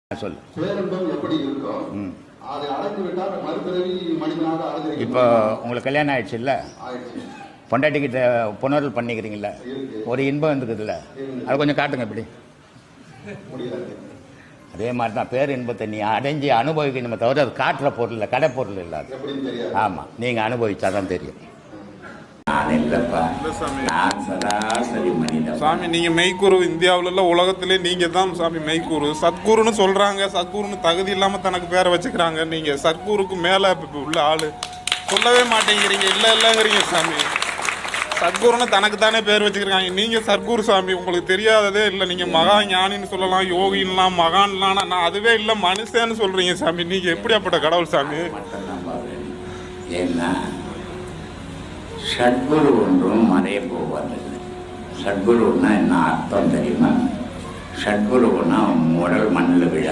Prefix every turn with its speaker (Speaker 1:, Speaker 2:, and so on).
Speaker 1: சொல்லு.
Speaker 2: பேரன்பம் எப்படி இருக்கும்? அதை அடைந்து விட்டால் மறுபிறவி மனிதனாக அடைஞ்சிருக்கீங்க.
Speaker 1: இப்போ உங்களுக்கு கல்யாணம் ஆயிடுச்சு இல்லை?
Speaker 2: ஆயிடுச்சு.
Speaker 1: பொண்டாட்டிக்கிட்ட புணர்வு பண்ணிக்கிறீங்களா? ஒரு இன்பம் இருக்குதுல்ல, அது கொஞ்சம் காட்டுங்க இப்படி.
Speaker 2: முடியாது.
Speaker 1: அதே மாதிரி தான் பேர் இன்பத்தை நீ அடைஞ்சி அனுபவிக்கணுமே தவிர அது காட்டுற பொருள் இல்லை, கடை பொருள் இல்லை அது.
Speaker 2: எப்படின்னு தெரியாது.
Speaker 1: ஆமாம், நீங்கள் அனுபவிச்சா தான் தெரியும். நான் இல்லைப்பா, நான் சராசரி மனிதன்.
Speaker 3: சாமி நீங்கள் மெய்க்குரு. இந்தியாவில உலகத்திலே நீங்கள் தான் சாமி மெய்க்குரு. சத்குருன்னு சொல்கிறாங்க. சத்குருன்னு தகுதி இல்லாமல் தனக்கு பேரை வச்சுக்கிறாங்க. நீங்கள் சத்குருக்கு மேலே உள்ள ஆள் சொல்லவே மாட்டேங்கிறீங்க. இல்லைங்கிறீங்க சாமி. சத்குருன்னு தனக்கு தானே பேர் வச்சுக்கிறாங்க. நீங்கள் சத்குரு சாமி. உங்களுக்கு தெரியாததே இல்லை. நீங்கள் மகா ஞானின்னு சொல்லலாம், யோகின்லாம், மகான்லாம். நான் அதுவே இல்லை, மனுஷன்னு சொல்கிறீங்க சாமி. நீங்கள் எப்படியாப்பட்ட கடவுள் சாமி?
Speaker 1: ஏன்னா சத்குரு ஒன்றும் மறைய போவதில்லை. சத்குருன்னா என்ன அர்த்தம் தெரியுமா? சத்குருன்னா உடல் மண்ணில் விழ